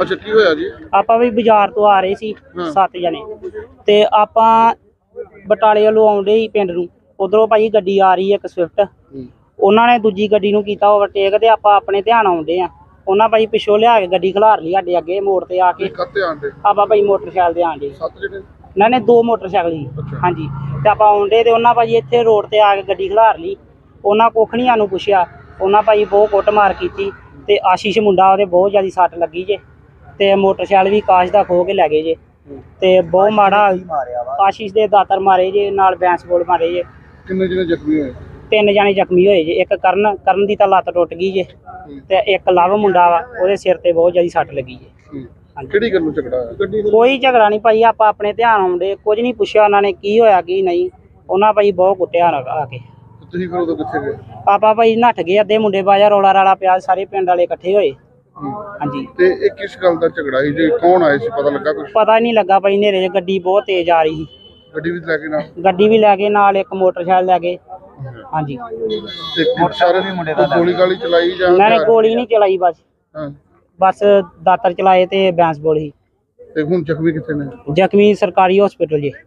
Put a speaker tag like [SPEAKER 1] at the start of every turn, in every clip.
[SPEAKER 1] ਅੱਛਾ ਕੀ ਹੋਇਆ ਜੀ?
[SPEAKER 2] ਆਪਾਂ ਵੀ ਬਾਜ਼ਾਰ ਤੋਂ ਆ ਰਹੇ ਸੀ 7 ਜਣੇ ਤੇ ਆਪਾਂ ਬਟਾਲੇ ਵੱਲੋਂ ਆਉਂਦੇ ਸੀ ਪਿੰਡ ਨੂੰ। ਉਧਰੋਂ ਭਾਈ ਗੱਡੀ ਆ ਰਹੀ ਹੈ ਇੱਕ ਸਵਿਫਟ, ਉਹਨਾਂ ਨੇ ਦੂਜੀ ਗੱਡੀ ਨੂੰ ਕੀਤਾ ਓਵਰਟੇਕ ਤੇ ਆਪਾਂ ਆਪਣੇ ਧਿਆਨ ਆਉਂਦੇ ਆ। ਉਹਨਾਂ ਭਾਈ ਪਿੱਛੋਂ ਲਿਆ ਕੇ ਗੱਡੀ ਖਿਲਾਰ ਲਈ ਸਾਡੇ ਅੱਗੇ ਮੋੜ ਤੇ ਆ ਕੇ। ਆਪਾਂ ਭਾਈ ਮੋਟਰਸਾਈਕਲ ਤੇ ਆਂਦੇ
[SPEAKER 1] 7 ਜਣੇ?
[SPEAKER 2] ਇਹਨਾਂ ਨੇ 2 ਮੋਟਰਸਾਈਕਲ ਸੀ। ਹਾਂਜੀ ਤੇ ਆਪਾਂ ਆਉਂਦੇ ਤੇ ਉਹਨਾਂ ਭਾਜੀ ਇੱਥੇ ਰੋਡ ਤੇ ਆ ਕੇ ਗੱਡੀ ਖਿਲਾਰ ਲਈ। ਉਹਨਾਂ ਕੁੱਖ ਨਹੀਂ ਸਾਨੂੰ ਪੁੱਛਿਆ। ਉਹਨਾਂ ਭਾਈ ਬਹੁਤ ਕੁੱਟਮਾਰ ਕੀਤੀ ਤੇ ਆਸ਼ੀਸ਼ ਮੁੰਡਾ ਉਹਦੇ ਬਹੁਤ ਜ਼ਿਆਦਾ ਸੱਟ ਲੱਗੀ ਜੇ ਤੇ ਮੋਟਰਸਾਈਕਲ ਵੀ ਕਾਸ਼ ਦਾ ਖੋ ਕੇ ਲੈ ਗਏ ਜੇ ਤੇ ਬਹੁਤ ਮਾੜਾ ਆਸ਼ੀਸ਼ ਦੇ ਦਾਤਰ ਮਾਰੇ ਜੇ, ਨਾਲ ਬੈਂਸ ਬੋਲ ਮਾਰੇ ਜੇ।
[SPEAKER 1] ਕਿੰਨੇ ਜਣੇ ਜ਼ਖਮੀ ਹੋਏ?
[SPEAKER 2] 3 ਜਣੇ ਜ਼ਖਮੀ ਹੋਏ ਜੇ। ਇੱਕ ਕਰਨ ਦੀ ਤਾਂ ਲੱਤ ਟੁੱਟ ਗਈ ਜੇ ਤੇ ਇੱਕ ਲਵ ਮੁੰਡਾ ਵਾ, ਉਹਦੇ ਸਿਰ ਤੇ ਬਹੁਤ ਜ਼ਿਆਦਾ ਸੱਟ ਲੱਗੀ ਜੇ।
[SPEAKER 1] ਕਿਹੜੀ ਗੱਲ ਨੂੰ ਝਗੜਾ ਹੋਇਆ?
[SPEAKER 2] ਕੋਈ ਝਗੜਾ ਨਹੀਂ ਭਾਈ, ਆਪਾਂ ਆਪਣੇ ਧਿਆਨ ਆਉਂਦੇ, ਕੁਝ ਨਹੀਂ ਪੁੱਛਿਆ ਉਹਨਾਂ ਨੇ ਕੀ ਹੋਇਆ ਕੀ ਨਹੀਂ। ਉਹਨਾਂ ਭਾਈ ਬਹੁਤ ਕੁੱਟਿਆ ਆ ਕੇ।
[SPEAKER 1] ਤੁਸੀਂ ਫਿਰ ਉਦੋਂ ਕਿੱਥੇ ਗਏ?
[SPEAKER 2] ਆਪਾਂ ਭਾਈ ਨੱਠ ਗਏ। ਅੱਧੇ ਮੁੰਡੇ ਬਾਜਾ ਰੌਲਾ ਰਾਲਾ ਪਿਆ, ਸਾਰੇ ਪਿੰਡ ਵਾਲੇ ਇਕੱਠੇ ਹੋਏ। ਹਾਂਜੀ
[SPEAKER 1] ਤੇ ਇਹ ਕਿਸ ਗੱਲ ਦਾ ਝਗੜਾ ਸੀ? ਜੇ ਕੌਣ ਆਏ ਸੀ ਪਤਾ ਲੱਗਾ ਕੁਝ?
[SPEAKER 2] ਪਤਾ ਨਹੀਂ ਲੱਗਾ ਭਾਈ, ਹਨੇਰੇ 'ਚ ਗੱਡੀ ਬਹੁਤ ਤੇਜ਼ ਆ ਰਹੀ ਸੀ।
[SPEAKER 1] ਗੱਡੀ ਵੀ ਲੈ ਕੇ ਨਾਲ?
[SPEAKER 2] ਗੱਡੀ ਵੀ ਲੈ ਗਏ, ਨਾਲ ਇੱਕ ਮੋਟਰਸਾਈਕਲ ਲੈ ਗਏ। ਹਾਂਜੀ
[SPEAKER 1] ਤੇ ਸਾਰੇ ਮੁੰਡੇ ਦਾ ਗੋਲੀ ਗਾਲੀ ਚਲਾਈ ਜਾਂ?
[SPEAKER 2] ਉਹਨਾਂ ਨੇ ਗੋਲੀ ਨਹੀਂ ਚਲਾਈ, ਬਸ ਦਾਤਰ ਚਲਾਏ ਤੇ ਬੈਂਸ ਬੋਲ ਸੀ।
[SPEAKER 1] ਤੇ ਹੁਣ ਜ਼ਖਮੀ ਕਿੱਥੇ ਨੇ?
[SPEAKER 2] ਜ਼ਖਮੀ ਸਰਕਾਰੀ ਹਸਪੀਟਲ ਜੀ।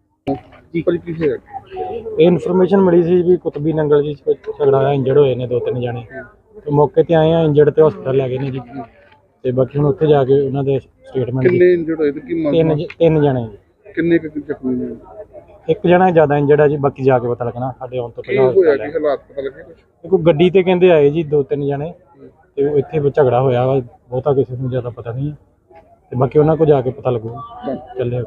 [SPEAKER 3] ਇਹ ਇਨਫੋਰਮੇਸ਼ਨ ਮਿਲੀ ਸੀ ਵੀ ਕੁਤਬੀ ਨੰਗਲ ਜੀ ਝਗੜਾ ਹੋਇਆ, ਇੰਜਰਡ ਹੋਏ ਨੇ 2-3 ਜਣੇ ਤੇ ਮੌਕੇ ਤੇ ਆਏ ਆ, ਇੰਜਰਡ ਤੇ ਹਸਪਤਾਲ ਲੈ ਗਏ ਨੇ ਜੀ ਤੇ ਬਾਕੀ ਹੁਣ ਉੱਥੇ ਜਾ ਕੇ ਉਹਨਾਂ ਦੇ ਸਟੇਟਮੈਂਟ।
[SPEAKER 1] ਕਿੰਨੇ ਇੰਜਰਡ ਹੋਏ ਤੇ ਕੀ ਮੰਗ?
[SPEAKER 3] 3 ਜਣੇ ਜੀ।
[SPEAKER 1] ਕਿੰਨੇ ਕੁ ਜ਼ਖਮੀ ਨੇ?
[SPEAKER 3] ਇੱਕ ਜਣਾ ਜ਼ਿਆਦਾ ਇੰਜਰਡ ਆ ਜੀ, ਬਾਕੀ ਜਾ ਕੇ ਪਤਾ ਲੱਗਣਾ। ਸਾਡੇ ਆਉਣ ਤੋਂ ਪਹਿਲਾਂ
[SPEAKER 1] ਹੋਇਆ ਕੀ ਹਾਲਾਤ ਪਤਾ ਲੱਗੇ ਕੁਝ?
[SPEAKER 3] ਕੋਈ ਗੱਡੀ ਤੇ ਕਹਿੰਦੇ ਆਏ ਜੀ 2-3 ਜਣੇ ਤੇ ਇੱਥੇ ਝਗੜਾ ਹੋਇਆ ਵਾ, ਬਹੁਤਾ ਕਿਸੇ ਨੂੰ ਜ਼ਿਆਦਾ ਪਤਾ ਨਹੀਂ ਤੇ ਬਾਕੀ ਉਹਨਾਂ ਕੋਲ ਜਾ ਕੇ ਪਤਾ ਲੱਗੂ। ਚੱਲੇ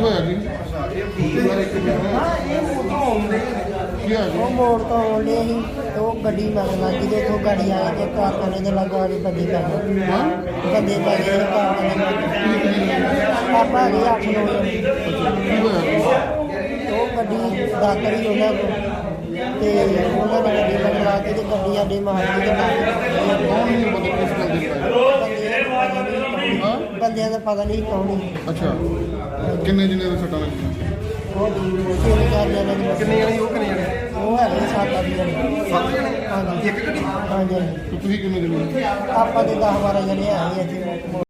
[SPEAKER 4] ਉਹ ਮੋੜ ਤੋਂ ਆਉਂਦੇ ਸੀ ਤੇ ਉਹ ਗੱਡੀ ਮਗਰ ਲੱਗੀ ਤੇ ਉੱਥੋਂ ਗਾੜੀ ਆਈ ਤੇ ਕਾਰਖਾਨੇ ਦੇ ਲਾਗੋਂ ਆਗੇ ਬੰਦੇ ਪੈ ਗਏ। ਬੰਦੇ ਪੈ ਗਏ ਆਪਾਂ ਗਏ 8-9 ਉਹ ਗੱਡੀ ਦਾਤਰ ਹੀ ਉਹਨਾਂ ਕੋਲ ਤੇ ਉਹਨਾਂ ਨੇ ਗੱਡੀ ਮਗਰ ਲਾ ਕੇ ਤੇ ਗੱਡੀ ਸਾਡੇ ਮਾਰ ਕੇ ਤੇ ਬੰਦਿਆਂ ਦਾ ਪਤਾ ਨਹੀਂ ਕੌਣ ਸੀ।
[SPEAKER 1] ਅੱਛਾ ਕਿੰਨੇ ਜਣੇ ਦੇ ਸੱਟਾਂ ਲੱਗੀਆਂ?
[SPEAKER 4] ਕਿੰਨੇ ਜਣੇ ਉਹ ਹੈਗੇ 7-8 ਜਣੇ।
[SPEAKER 1] 7 ਜਣੇ?
[SPEAKER 4] ਹਾਂਜੀ ਇੱਕ ਗੱਡੀ? ਹਾਂਜੀ।
[SPEAKER 1] ਤੁਸੀਂ ਕਿੰਨੇ ਜਣੇ?
[SPEAKER 4] ਆਪਾਂ ਤੇ 10-12 ਜਣੇ ਆਏ ਇੱਥੇ।